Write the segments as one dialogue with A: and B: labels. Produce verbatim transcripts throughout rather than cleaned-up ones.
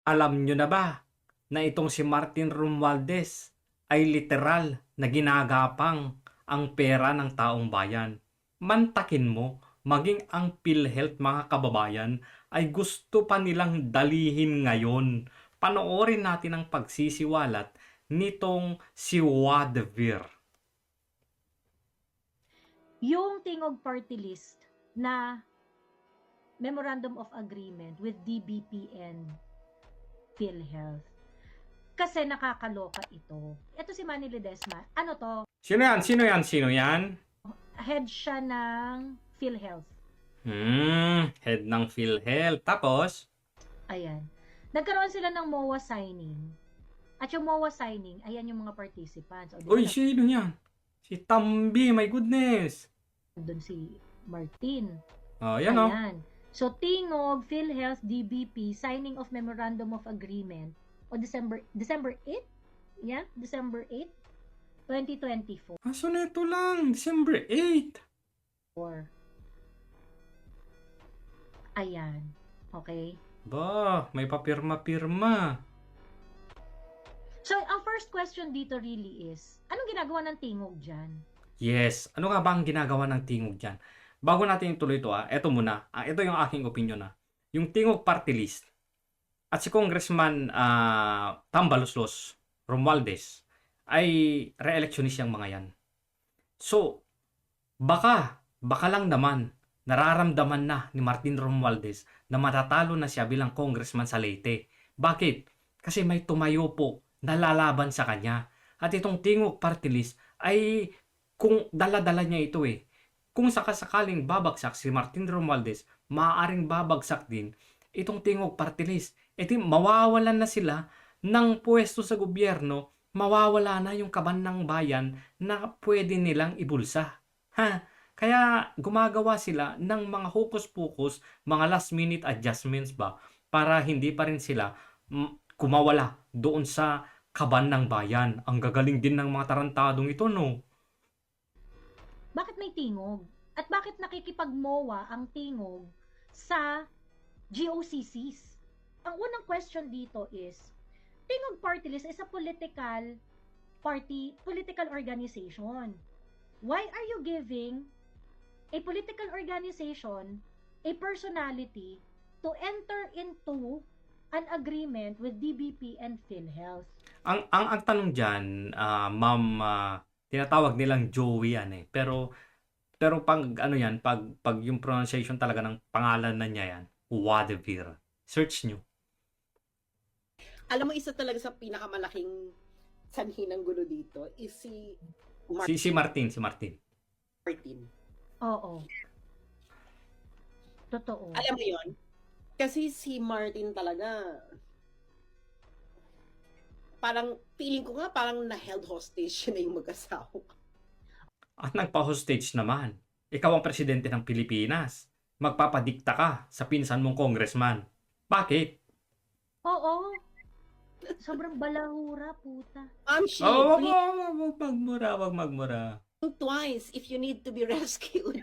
A: Alam nyo na ba na itong si Martin Romualdez ay literal na ginagapang ang pera ng taong bayan? Mantakin mo, maging ang PhilHealth mga kababayan ay gusto pa nilang dalihin ngayon. Panoorin natin ang pagsisiwalat nitong si Wadvir.
B: Yung Tingog Party List na Memorandum of Agreement with D B P and PhilHealth. Kasi nakakaloka ito. Ito si Manny Ledesma. Ano to?
A: Sino yan? Sino yan? Sino yan?
B: Head siya ng PhilHealth.
A: Hmm, head ng PhilHealth. Tapos?
B: Ayan. Nagkaroon sila ng M O A signing. At yung M O A signing, ayan yung mga participants. O,
A: Uy, sino yan? Si Tambi, my goodness.
B: Doon si Martin.
A: Oh, yan o.
B: Ayan. So, Tingog, PhilHealth, D B P, signing of Memorandum of Agreement o December December eighth? Yeah, December eighth, twenty twenty-four.
A: Aso na ito lang, December eighth.
B: Ayan. Okay?
A: Ba, may papirma-pirma.
B: So, ang first question dito really is, anong ginagawa ng Tingog dyan?
A: Yes, ano nga ba ang ginagawa ng Tingog dyan? Bago natin ituloy ito, ah, ito muna. Ah, ito yung aking opinion. Ah. Yung Tingog Party List at si Congressman ah, Tambaloslos Romualdez ay re-electionist yung mga yan. So, baka, baka lang naman, nararamdaman na ni Martin Romualdez na matatalo na siya bilang congressman sa Leyte. Bakit? Kasi may tumayo po na lalaban sa kanya. At itong Tingog Party List ay kung dala-dala niya ito eh. Kung sakasakaling babagsak si Martin Romualdez, maaaring babagsak din itong Tingog Party List. E di mawawalan na sila ng pwesto sa gobyerno, mawawala na yung kaban ng bayan na pwede nilang ibulsa. Ha? Kaya gumagawa sila ng mga hocus-pocus, mga last-minute adjustments ba para hindi pa rin sila mm, kumawala doon sa kaban ng bayan. Ang gagaling din ng mga tarantadong ito, no?
B: Bakit may Tingog? At bakit nakikipag-M O A ang Tingog sa G O C Cs? Ang unang question dito is, Tingog Party List is a political party, political organization. Why are you giving a political organization a personality to enter into an agreement with D B P and PhilHealth?
A: Ang ang ang tanong diyan, ah, ma'am, ah, tinatawag nilang Joey yan eh. Pero pero pag ano yan, pag pag yung pronunciation talaga ng pangalan na niya yan, Wadvir. Search nyo.
C: Alam mo, isa talaga sa pinakamalaking sanhi ng gulo dito is si
A: Si si Martin, si Martin.
C: Martin.
B: Oo. Totoo.
C: Alam mo yon? Kasi si Martin talaga, parang feeling ko nga parang na-held hostage siya na yung mag-asawa.
A: At nagpa-hostage naman. Ikaw ang presidente ng Pilipinas. Magpapadikta ka sa pinsan mong congressman. Bakit?
B: Oo. Sobrang balahura, puta.
C: Ma'am, she,
A: Oh, wag,
C: please
A: wag, wag, wag magmura, wag magmura.
C: think twice if you need to be rescued.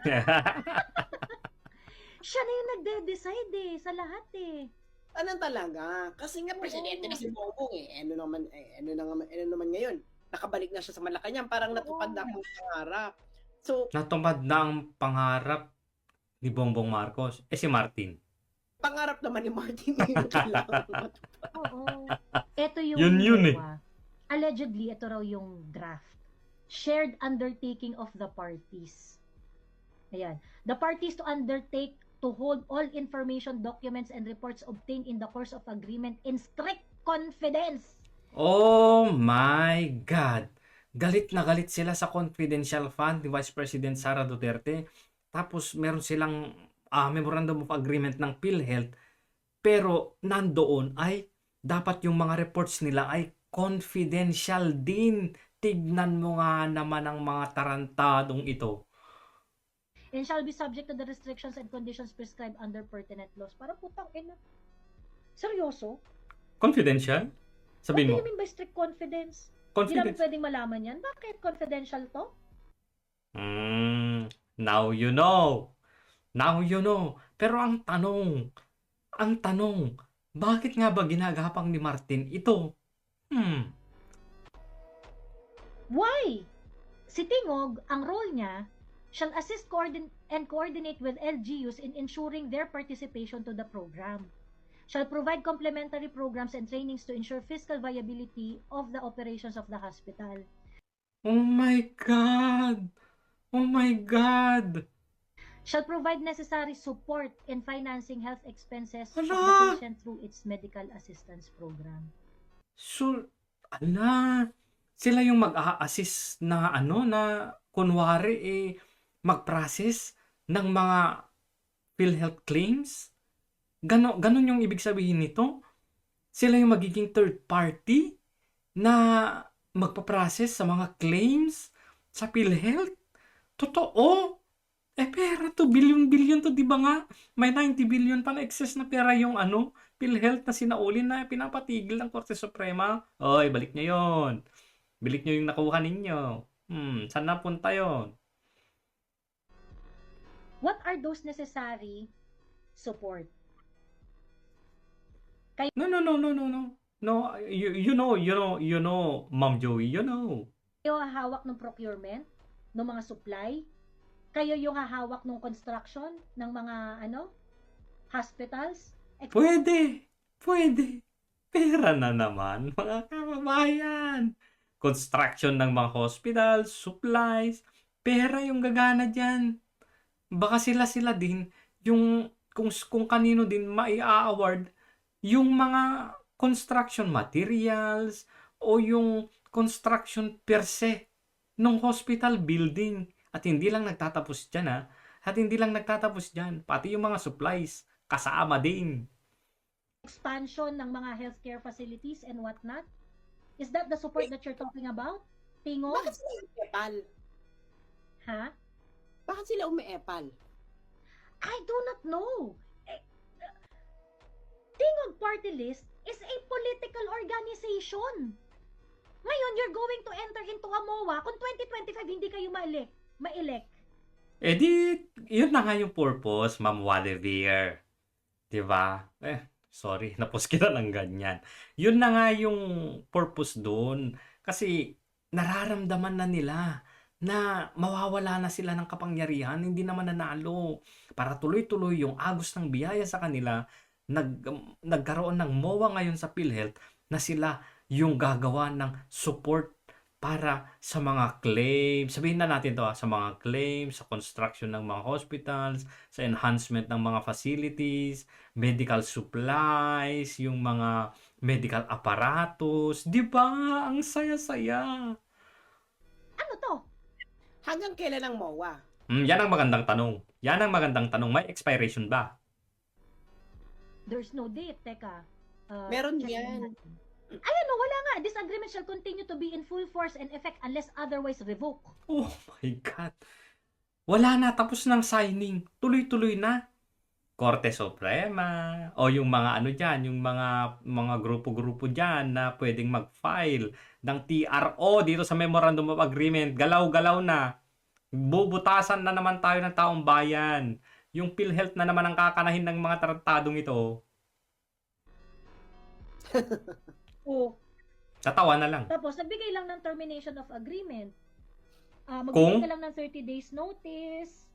B: Siya na yung nagde-decide eh, sa lahat eh.
C: Ano talaga? Kasi nga presidente na si Bongbong eh. Ano naman, eh, ano, naman, ano naman ngayon? Nakabalik na siya sa Malacanang. Parang natupad na ang pangarap. So,
A: Natupad na ang pangarap ni Bongbong Marcos. Eh si Martin.
C: pangarap naman ni Martin yung kailangan matupad.
B: Oo. Ito yung
A: Yun yun eh.
B: M O A. Allegedly, ito raw yung draft. Shared undertaking of the parties. Ayan. The parties to undertake to hold all information, documents, and reports obtained in the course of agreement in strict confidence.
A: Oh my God! Galit na galit sila sa confidential fund ni Vice President Sara Duterte. Tapos meron silang ah, memorandum of agreement ng PhilHealth. Pero nandoon ay dapat yung mga reports nila ay confidential din. Tignan mo nga naman ang mga tarantadong ito.
B: And shall be subject to the restrictions and conditions prescribed under pertinent laws. Para putang ina. Seryoso?
A: Confidential? Sabihin mo.
B: What do you mean by strict confidence? Hindi namin
A: Confidence.
B: pwedeng malaman yan. Bakit confidential to?
A: Mm, now you know. Now you know. Pero ang tanong, ang tanong, Bakit nga ba ginagapang ni Martin ito? Hmm.
B: Why? Si Tingog, ang role niya, shall assist coordin- and coordinate with L G Us in ensuring their participation to the program. Shall provide complementary programs and trainings to ensure fiscal viability of the operations of the hospital.
A: Oh my God! Oh my God!
B: Shall provide necessary support in financing health expenses of the
A: Hala!
B: patient through its medical assistance program.
A: So, ala, sila yung mag-a-assist na ano na kunwari eh mag-process ng mga PhilHealth claims? Gano, ganun yung ibig sabihin nito? Sila yung magiging third party na magpa-process sa mga claims sa PhilHealth? Totoo? Eh pera to, billion-billion to, di ba nga? May ninety billion pa na excess na pera yung ano, PhilHealth na sinaulin na pinapatigil ng Korte Suprema. Oy, balik nyo yon. Balik nyo yung nakuha ninyo. Hmm, saan napunta yon?
B: What are those necessary support?
A: No, no, no, no, no, no. No, you, you know, you know, you know, Ma'am Joey, you know.
B: Kayo hahawak ng procurement, ng mga supply, kayo yung hahawak ng construction ng mga ano, hospitals. Ex-
A: Pwede, pwede. Pera na naman, mga kababayan. Construction ng mga hospitals, supplies, pera yung gagana dyan. Baka sila-sila din, yung kung, kung kanino din mai-award yung mga construction materials o yung construction per se ng hospital building. At hindi lang nagtatapos dyan ha. At hindi lang nagtatapos dyan. Pati yung mga supplies kasama din.
B: expansion ng mga healthcare facilities and whatnot? Is that the support that you're talking about? Tingog?
C: Bakit sila umiepal?
B: Ha?
C: Bakit sila umiepal?
B: I do not know. Eh, uh, Tingog Party List is a political organization. Ngayon, you're going to enter into a M O A kung twenty twenty-five hindi kayo ma-elect. Ma-elect.
A: Eh di, yun na nga yung purpose, Ma'am Wadevere. Diba? Eh, sorry, napos kita ng ganyan. Yun na nga yung purpose doon. Kasi nararamdaman na nila na mawawala na sila ng kapangyarihan, hindi naman nanalo. Para tuloy-tuloy yung agos ng biyaya sa kanila, nag, nagkaroon ng M O A ngayon sa PhilHealth na sila yung gagawa ng support para sa mga claims. Sabihin na natin to ah, sa mga claims, sa construction ng mga hospitals, sa enhancement ng mga facilities, medical supplies, yung mga medical apparatus. Di ba? Ang saya-saya.
B: Ano to?
C: Hanggang kailan ang M O A?
A: Hmm, yan ang magandang tanong. Yan ang magandang tanong. May expiration ba?
B: There's no date. Teka. Uh,
C: Meron
B: check
C: yan.
B: natin. Ay, ano, wala nga. This agreement shall continue to be in full force and effect unless otherwise revoked.
A: Oh my God. Wala na. Tapos ng signing. Tuloy-tuloy na. Korte Suprema. O yung mga ano dyan, yung mga, mga grupo-grupo dyan na pwedeng mag-file ng T R O dito sa Memorandum of Agreement. Galaw-galaw na. Bubutasan na naman tayo ng taong bayan. Yung PhilHealth na naman ang kakanahin ng mga tratadong ito.
B: Oh.
A: Tatawa na lang.
B: Tapos, nagbigay lang ng termination of agreement. Ah,
A: Kung?
B: magbigay ka lang ng thirty days notice.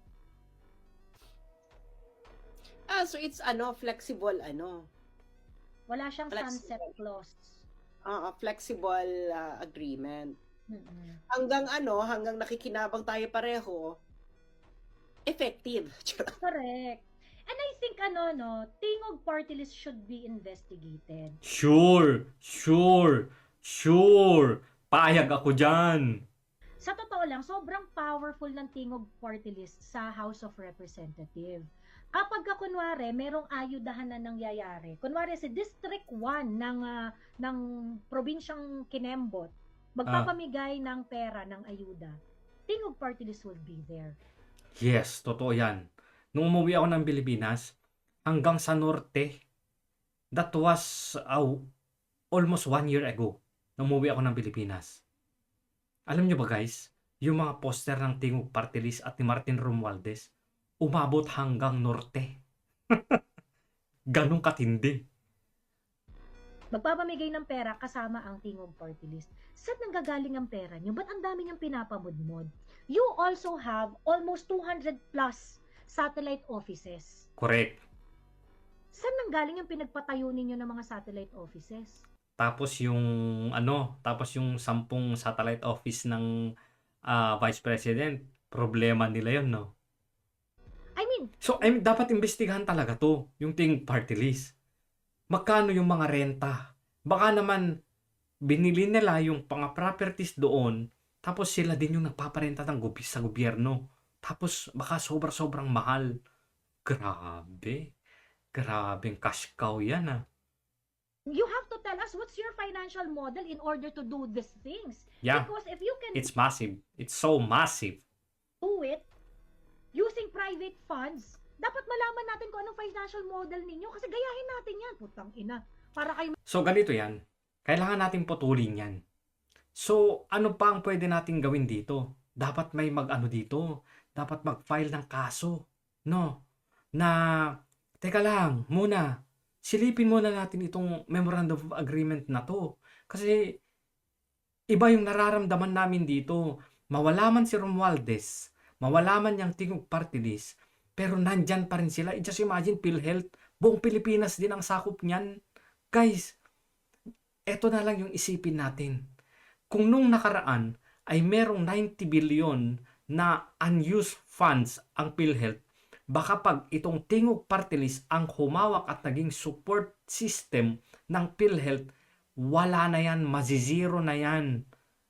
C: Ah, so it's ano, flexible ano.
B: Wala siyang
C: Flexible.
B: sunset clause.
C: Ah, ah, flexible ah, agreement.
B: Mm-mm.
C: Hanggang ano, hanggang nakikinabang tayo pareho, effective.
B: Correct. And I think ano no, Tingog party list should be investigated.
A: Sure, sure, sure. Payag ako dyan.
B: Sa totoo lang, sobrang powerful ng Tingog party list sa House of Representatives. Kapag ka, kunwari, merong ayudahan na nangyayari, kunwari si District one ng, ah, ng probinsyang Kinembot, magpapamigay ng pera ng ayuda, Tingog party list will be there.
A: Yes, totoo yan. Nung umuwi ako ng Pilipinas, hanggang sa norte, that was uh, almost one year ago, nung umuwi ako ng Pilipinas. Alam nyo ba guys, yung mga poster ng Tingog Party List at ni Martin Romualdez, umabot hanggang norte. Ganong katindi.
B: magpapamigay ng pera kasama ang Tingog Party List. Saan nanggagaling ang pera nyo? Ba't ang dami niyang pinapamudmod? You also have almost two hundred plus satellite offices.
A: Correct.
B: Saan nanggaling yung pinagpatayo ninyo ng mga satellite offices?
A: Tapos yung ano, tapos yung sampung satellite office ng ah, Vice President, problema nila yun, no?
B: I mean,
A: So, I mean, dapat imbestigahan talaga to, yung Tingog Party List. Magkano yung mga renta? Baka naman, binili nila yung mga properties doon, tapos sila din yung nagpaparenta ng gobi sa gobyerno. Tapos, baka sobra-sobrang mahal. Grabe. Grabeng cash cow yan, ah.
B: you have to tell us what's your financial model in order to do these things.
A: Yeah,
B: Because if you can
A: it's massive. It's so massive.
B: do it using private funds, dapat malaman natin kung anong financial model ninyo kasi gayahin natin yan. Putang ina. Para kayo
A: So, ganito yan. Kailangan natin putulin yan. So, ano pa ang pwede natin gawin dito? Dapat may mag-ano dito. Dapat mag-file ng kaso. No? Na, teka lang, muna. Silipin muna natin itong Memorandum of Agreement na to. Kasi, iba yung nararamdaman namin dito. Mawala man si Romualdez, mawala man yung Tingog Party List, pero nandyan pa rin sila. I just imagine, PhilHealth, buong Pilipinas din ang sakop niyan. Guys, eto na lang yung isipin natin. Kung nung nakaraan ay merong ninety billion na unused funds ang PhilHealth, baka pag itong Tingog Party List ang humawak at naging support system ng PhilHealth, wala na yan, mazizero na yan.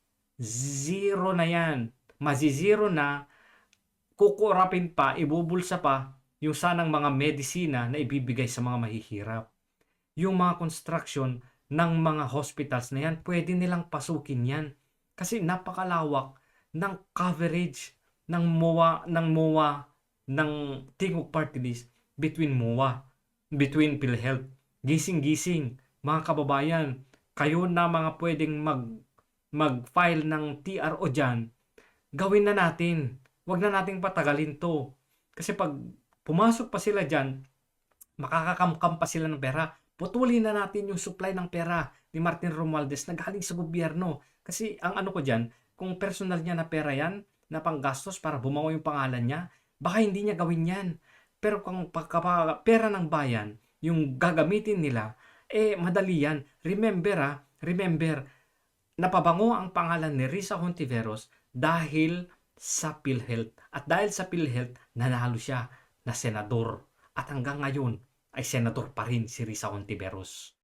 A: Zero na yan. Mazizero na, kukurapin pa, ibubulsa pa yung sanang mga medisina na ibibigay sa mga mahihirap. Yung mga construction ng mga hospitals na yan, pwede nilang pasukin yan. Kasi napakalawak ng coverage ng MOA, ng MOA, ng Tingog Party List between MOA, between PhilHealth. Gising-gising, mga kababayan, kayo na mga pwedeng mag, mag-file ng T R O dyan, gawin na natin. Huwag na nating patagalin to. Kasi pag pumasok pa sila dyan, makakakamkam pa sila ng pera. Putulin na natin yung supply ng pera ni Martin Romualdez na galing sa gobyerno. Kasi ang ano ko dyan, kung personal niya na pera yan, na panggastos para bumawa yung pangalan niya, baka hindi niya gawin yan. Pero kung pagka, pera ng bayan, yung gagamitin nila, eh madali yan. Remember ah, remember, napabango ang pangalan ni Risa Hontiveros dahil sa PhilHealth. At dahil sa PhilHealth, nanalo siya na senador. At hanggang ngayon, ay senador pa rin si Risa Hontiveros.